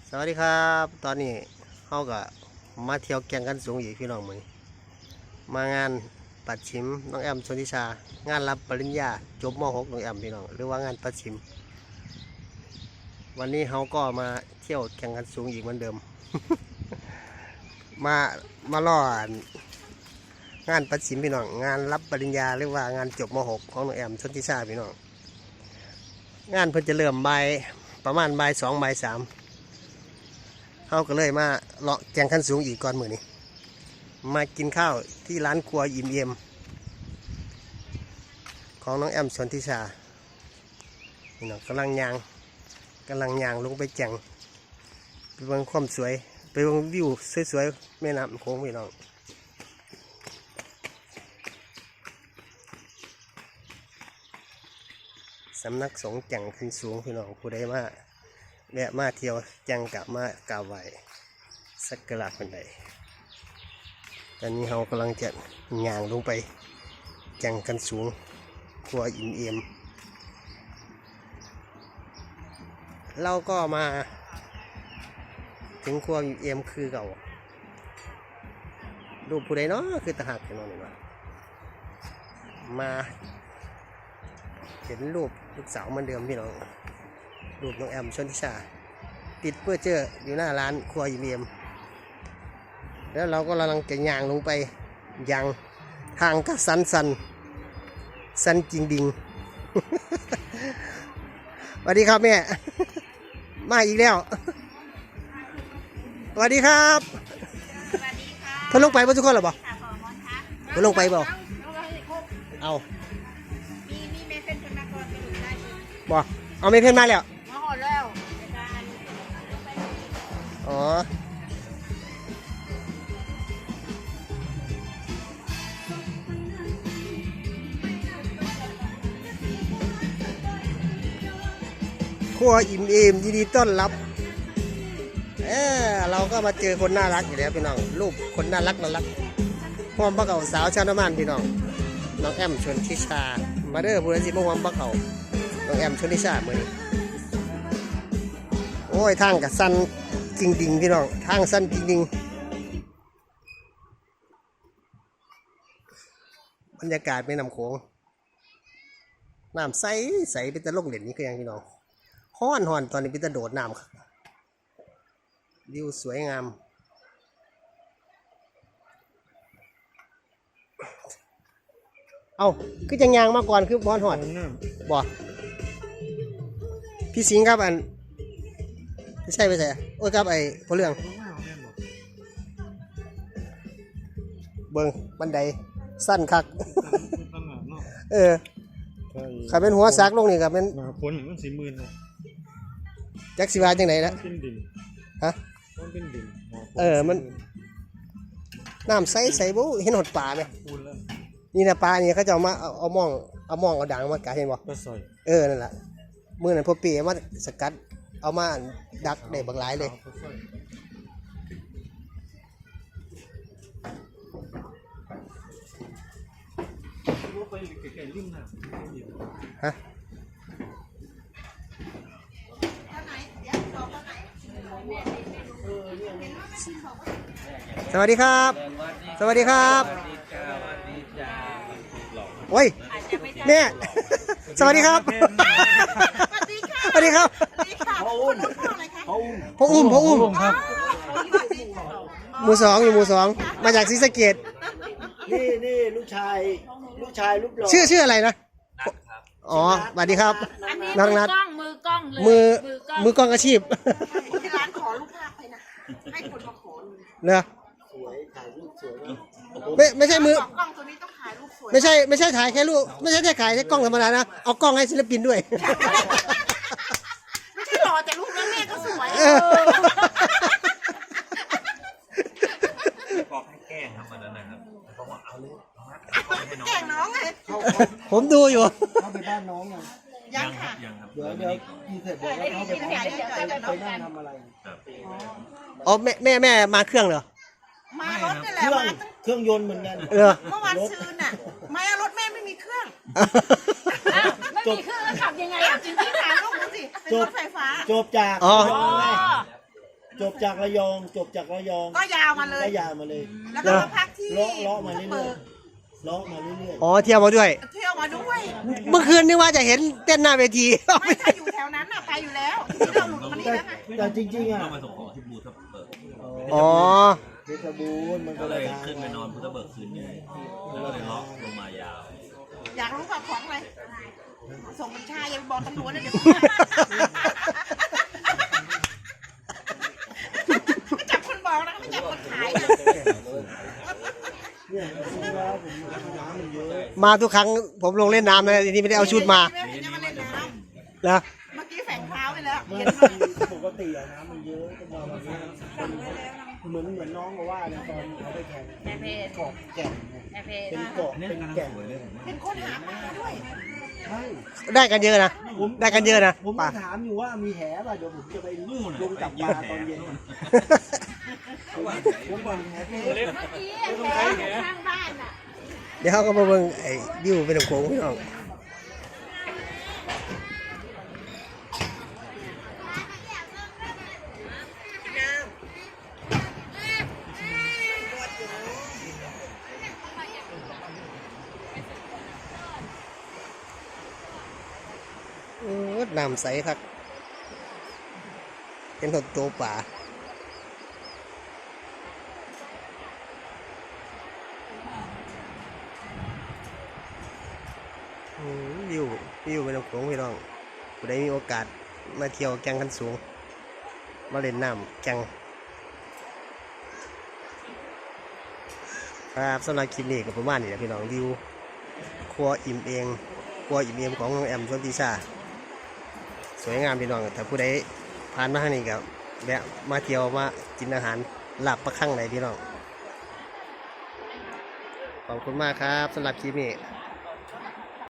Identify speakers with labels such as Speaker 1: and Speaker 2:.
Speaker 1: สวัสดีครับตอนนี้เขาก็มาเที่ยวแก่งกันสูงอีกพี่น้องมือมางานปัดชิมน้องแอมชนทิชางานรับปริญญาจบม .6 น้องแอมพี่น้องหรือว่างานปัดชิมวันนี้เขาก็มาเที่ยวแข่งกันสูงอีกเหมือนเดิม มาล่องานปัดชิมพี่น้องงานรับปริญญาหรือว่างานจบม .6 ของน้องแอมชนทิชาพี่น้องงานเพิ่นจะเริ่มประมาณบ่าย 2 บ่าย 3เขาก็เลยมาเลาะแกงขั้นสูงอีกก่อนมือนี้มากินข้าวที่ร้านครัวอิ่มเอี่ยมของน้องแอมชนทิชาพี่น้องกำลังยางลงไปแจงไปเบิ่งความสวยไปเบิ่งวิวสวยๆแม่น้ำโขงพี่น้องสำนักสงฆ์แจงขึ้นสูงพี่น้องผู้ใดมาแวะมาเที่ยวแจงกับมากราบไหว้สักการะคนใดตอนนี้เรากำลังจะย่างลงไปแจงกันสูงครัวอิ่มเอี่ยมเราก็มาถึงครัวอิ่มเอี่ยมคือเก่ารูปผู้ใดเนาะคือตาหักพี่น้องนี่มาเห็นรูปลูกสาวเหมือนเดิมพี่น้องรูปน้องแอมชนทิชาติดเพื่อเจออยู่หน้าร้านครัวอิ่มเอี่ยมแล้วเราก็กำลังจะย่างลงไปยังทางก็สันจริงดิง สวัสดีครับแม่ มาอีกแล้วสวัสดีครับเพิ่นลงไปบ่ทุกคนหรอบ่เพิ่นลงไปบ่เอา
Speaker 2: มีเมเป็นคนมาก่อนไปอยู่ได้
Speaker 1: บ่เอาไม่เพิ่นมาแล้ว
Speaker 2: มาหอดแล้ว
Speaker 1: อ๋อครัวอิ่มเอมยินดีต้อนรับเราก็มาเจอคนน่ารักอยู่แล้วพี่น้องรูปคนน่ารักพร้อมพระเก่าสาวชาวน้ำมันพี่น้องน้องแอมชนทิชามาเด้อบุรีสิมาพร้อมพระเก่าน้องแอมชนทิชาเมื่อนี้โอ้ยทางกับสั้นจริงดิงพี่น้องทางสั้นจริงดิงบรรยากาศไม่นำโขงน้ำใสเป็นตะลงเหรียญนี่คือยังพี่น้องฮ้อนตอนนี้เป็นตะโดดน้ำครับวิวสวยงามเอาคือจังยางมาก่อนคือฮ้อนบ่พี่สิงห์ครับอันไม่ใช่โอ้ยครับไอ้พลเรื่องเบิ่งบันไดสั้นคักขับเป็นหัวซักลงนี่ครับเป็น
Speaker 3: คนมัน40,000เลย
Speaker 1: จักสิว่าจังไหนละ
Speaker 3: เป็นดิน
Speaker 1: ฮะ
Speaker 3: มันเป็นดิน
Speaker 1: มันน้ำใสบุเห็นหดป่าไหมนี่นะปลานี่เขาจะเอามองเอาด่างมากะเห็นบ่
Speaker 3: ปลาซอย
Speaker 1: นั่นแหละมือนั้นพอปีมาสกัดเอามาดักได้บางหลายเลยฮะสวัสดีครับสวัสดีครับโอ้ยแม่สวัสดีครับสวัสดีครับพ่ออุ้มครับหมู่ 2อยู่หมู่ 2มาจากศรีสะเกษ
Speaker 4: นี่ลูกชายลูกหล่อ
Speaker 1: ชื่ออะไรนะอ๋อสวัสดีครับ
Speaker 2: น้องนัทมือกล้องเลย
Speaker 1: มือกล้องอาชีพ
Speaker 2: ที่ร้านขอรูปภาพไปนะให้คนมาขอ
Speaker 1: เนอะ
Speaker 4: สวยถ่ายรูปสวย
Speaker 1: ไม่ใช่มือก
Speaker 2: ล้องตัวนี้ต้องถ่ายรูปสวย
Speaker 1: ไม่ใช่ถ่ายแค่รูปไม่ใช่แค่ถ่ายแค่กล้องธรรมดานะเอากล้องให้ศิลปินด้วย
Speaker 2: ไม่ใช่หล่อแต่รูปแม่ก็สวย
Speaker 3: บอกให้แกล้งทำมันนะครับบอกว่าเอาลูก
Speaker 2: แกล้งน้องไง
Speaker 1: ผมดูอยู่
Speaker 4: เข้าไปบ้านน้อง
Speaker 2: ยังค่ะ
Speaker 3: ยังครับ
Speaker 4: เดี๋ยวกินเสร็จเดี๋ยวเข้าไปนั่งทำอะไร
Speaker 1: อ๋อแม่มาเครื่องเหรอ
Speaker 2: มารถนี่แหละ
Speaker 4: เครื่องยนต์เหมือนกัน
Speaker 2: เมื่อวานซืนน่ะมารถแม่ไม่มีเครื่องไม่มีเครื่องแล้วขับยังไงอ่ะจริงๆถามลูกดูสิเป็นรถไฟฟ้า
Speaker 4: จบจากจบจากระยอง
Speaker 2: ก็ยาวมาเลย
Speaker 4: ก็ยาวมาเลย
Speaker 2: แล้วก็มาพักที่
Speaker 4: เลาะมาเรื่อยๆเลาะมาเรื่อย
Speaker 1: อ๋อเที่ยวมาด้วย
Speaker 2: เที่ยวมาด้วย
Speaker 1: เมื่อคืนนึกว่าจะเห็นเต้นหน้าเวที
Speaker 2: ไม่ถ้าอยู่แถวนั้นน่ะไปอยู่แล้วทีนี้เราหลุดมานี่แล้วไง
Speaker 4: ๆแต่จริงๆอ่ะ
Speaker 3: ต้องมาส่งของที่บูทับเบิก
Speaker 1: อ๋อ
Speaker 4: เพชรบูรณ์มัน
Speaker 3: ก็
Speaker 4: ก็
Speaker 3: เล
Speaker 4: เลย ย
Speaker 3: ขึ้นไปนอนพุทธเบิกคืนนึงแล้วก็เลยเลาะลงมายาว
Speaker 2: อยากรู้ว่าของอะไรส่งบัญชาอย่าไปบอกตำรวจนะเดี๋ยวไม่จับคนบอกนะไม่จับคนขายนะ
Speaker 4: เนี่ยจริงๆแล้วผมน้ำมันเยอะ
Speaker 1: มาทุกครั้งผมลงเล่นน้ำนะทีนี้ไม่ได้เอาชุดมา
Speaker 2: ไม่ได้มาเล่นน้
Speaker 1: นะ
Speaker 2: ำเมื่อกี้แฝงเท้าไปแล้ว
Speaker 4: ไม่
Speaker 2: เห็นไหม
Speaker 4: ปกติอะน้ำมันเยอะก็มาแบบนี้เหมือนน้องก็ว่าเนี่ยตอนเขาไปแข่ง
Speaker 2: แม่เพจ
Speaker 4: เกาะแก่งเนี่ย
Speaker 2: แม่เพจ
Speaker 4: เป็นเกาะเป็นแก่ง
Speaker 2: เป็นคนหาปลาด้วย
Speaker 4: ใช่
Speaker 1: ได้กันเยอะนะได้กันเยอะนะ
Speaker 4: ผม
Speaker 1: ป่ะ
Speaker 4: ถามอยู่ว่ามีแหป่ะเดี๋ยวผมจะไปลงจับปลาตอนเย็นผมบอกแหเ
Speaker 2: เมื่อกี้แฝงข้างบ้านอ่ะ
Speaker 1: เดี๋ยวเขาก็มาเบิ่งไอ้วิวเป็นโขงพี่น้องโอ้น้ำใสครับเป็นหดตัวป่าวิวเป็นโขงพี่น้องผู้ใดมีโอกาสมาเที่ยวแก่งขันสูงมาเล่นน้ำแก่งครับสำหรับคลิปนี้ก็ประมาณนี้แหละพี่น้องวิวครัวอิ่มเองครัวอิ่มเอมของน้องแอมชลทิชาสวยงามพี่น้องถ้าผู้ใดผ่านมาทางนี้ก็แวะมาเที่ยวมากินอาหารลาบปลาคั่งไหนพี่น้องขอบคุณมากครับสำหรับคลิปนี้